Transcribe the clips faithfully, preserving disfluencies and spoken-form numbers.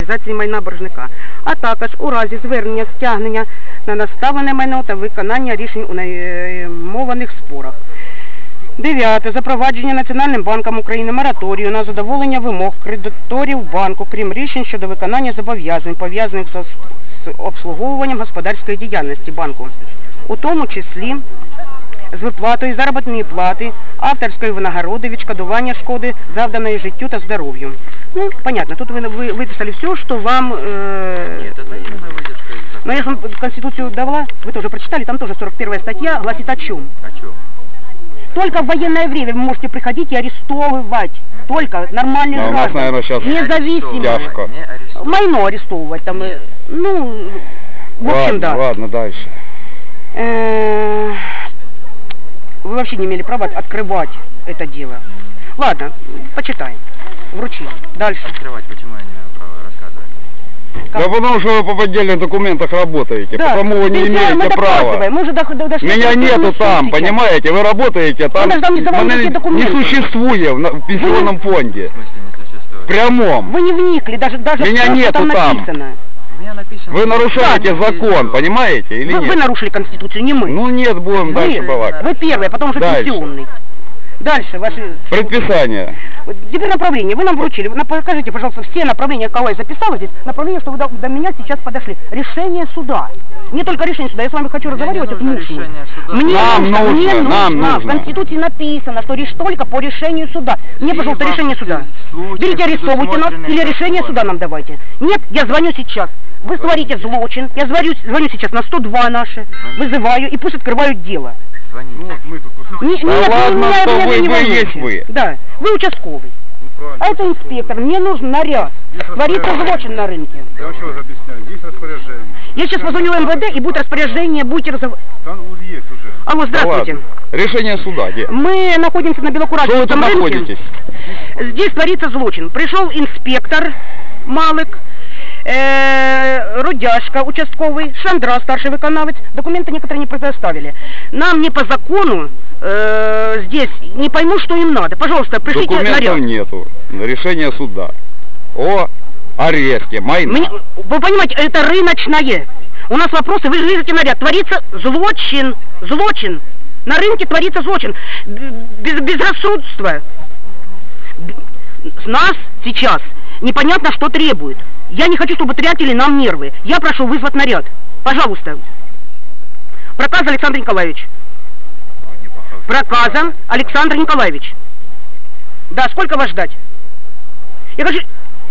приватизації майна боржника, а також у разі звернення стягнення на наставлене майно та виконання рішень у наймованих спорах. Дев'яте. Запровадження Національним банком України мораторію на задоволення вимог кредиторів банку, крім рішень щодо виконання зобов'язань, пов'язаних з обслуговуванням господарської діяльності банку, у тому числі з виплатою заробітної плати, авторської винагороди, відшкодування шкоди, завданої життю та здоров'ю. Ну, понятно, тут вы, вы выписали все, что вам... Э... Нет, это именно выдержка из закона. Но я же вам Конституцию давала, вы тоже прочитали, там тоже сорок первая статья гласит о чем? О чем? Только в военное время вы можете приходить и арестовывать. Только нормальных а граждан. Наверное, сейчас независимо. Тяжко. Майно арестовывать там. Нет. Ну, в общем, ладно, да. Ладно, дальше. Э-э- вы вообще не имели права открывать это дело. Ладно, почитаем. Вручим. Дальше. Открывать, почему я не имею права рассказывать? Как? Да потому что вы по поддельных документах работаете, да. Потому вы не имеете мы права. Мы уже дошли. Меня нету там, сейчас. Понимаете? Вы работаете там. Не, не существует в пенсионном фонде. В смысле не существует? Прямом. Вы не вникли, даже, даже меня нету там. Написано. У меня написано, вы нарушаете закон, понимаете, или вы, нет? Вы нарушили Конституцию, не мы. Ну нет, будем вы, дальше балакать. Вы первые, потом уже дальше. пенсионный. Дальше ваши... Предписание. Теперь направление. Вы нам вручили. Покажите, пожалуйста, все направления, кого я записала здесь. Направление, что вы до, до меня сейчас подошли. Решение суда. Не только решение суда. Я с вами хочу разговаривать. Это нужно. Мне нам нужно. нужно. Мне нам нужно. нужно. В Конституции написано, что лишь только по решению суда. Мне, пожалуйста, решение суда. Берите, арестовывайте нас или решение суда нам давайте. Нет, я звоню сейчас. Вы творите злочин. Я звоню, звоню сейчас на сто два наши. Вызываю и пусть открывают дело. Ну, вот мы тут не, да нет, ладно, меня, что меня, вы, меня вы есть вы. Да, вы участковый. Ну, а это инспектор. Мне нужен наряд. Творится злочин на рынке. Я еще раз объясняю. Есть распоряжение. Я сейчас позвоню в МВД и будет распоряжение, будете разговаривать. Там уже есть уже. Алло, здравствуйте. Да решение суда где? Мы находимся на Белокуратском рынке. Находитесь? Здесь творится злочин. Пришел инспектор Малык. Э, Рудяшка, участковый, Шандра, старший виконавець, документы некоторые не предоставили. Нам не по закону э, здесь, не пойму, что им надо. Пожалуйста, пришлите документов наряд. Нету, решение суда о аресте майна. Мне, вы понимаете, это рыночное. У нас вопросы, вы видите наряд, творится злочин, злочин. На рынке творится злочин. Без, безрассудство. С нас сейчас непонятно, что требует. Я не хочу, чтобы тратили нам нервы. Я прошу вызвать наряд. Пожалуйста. Проказа Александр Николаевич. Проказа Александр Николаевич. Да, сколько вас ждать? Я хочу...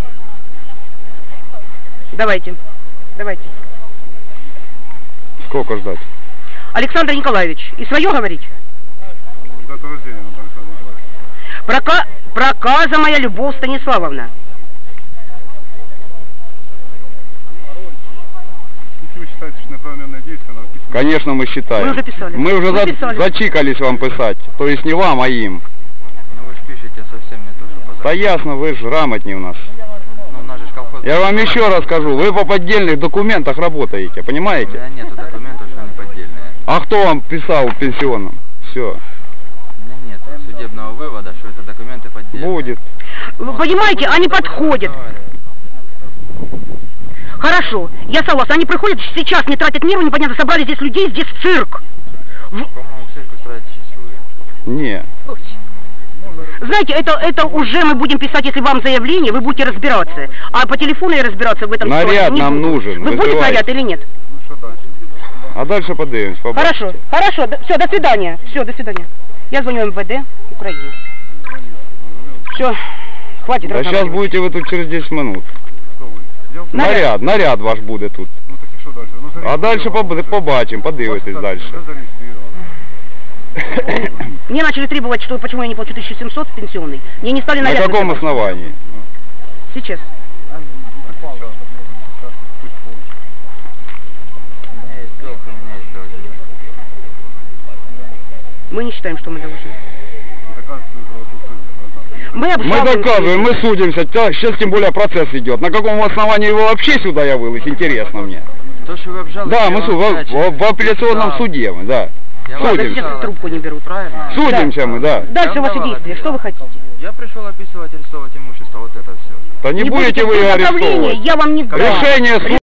Давайте. Давайте. Сколько ждать? Александр Николаевич. И свое говорить? Дата рождения, Александр Николаевич. Прока... Проказа моя Любовь Станиславовна. Вы считаете, что неправомерное действие надо писать? Конечно, мы считаем. Мы уже писали. Мы уже мы за... писали. зачикались вам писать. То есть не вам, а им. Ну вы же пишете совсем не то, что по закону. Да ясно, вы же грамотнее у нас. Ну, у нас же колхоз... Я вам еще раз скажу, вы по поддельных документах работаете, У понимаете? меня нету документов, что они поддельные. А кто вам писал в пенсионном? Все. У меня нет судебного вывода, что это документы поддельные. Будет. Вы понимаете, они подходят. Хорошо, я согласна. Они приходят, сейчас не тратят нервы, непонятно, собрали здесь людей, здесь цирк. В... По-моему, цирк устраивать часует. Не. Знаете, это, это уже мы будем писать, если вам заявление, вы будете разбираться. А по телефону я разбираться в этом наряд не нам буду. Нужен. Вы будете наряд или нет? Ну что дальше? А дальше подивимось. Хорошо, хорошо, все, до свидания. Все, до свидания. Я звоню МВД Украины. Все, хватит. Да сейчас будете вы тут через десять минут. Наряд, наряд ваш буде тут. Ну так і що далі? Ну, а дальше побачимо, подивитесь дальше. Мне начали требовать, что почему я не плачу тысячу семьсот пенсионный. Мне не стали наряд. На каком вызывать. основании? Сейчас. У меня есть долг, у меня есть должник. Мы не считаем, что мы должны. Мы, мы доказываем, мы судимся, сейчас тем более процесс идет. На каком основании его вообще сюда явилось, интересно мне. То, что вы обжалуете, да, мы в, в, в апелляционном да. суде, мы, да. Я судимся. Трубку не берут. Правильно? Судимся да. мы, да. Дальше ваши действия, что вы хотите? Я пришел описывать, арестовать имущество, вот это все. Да не будете вы направление, арестовывать. я вам не дам. Решение суда.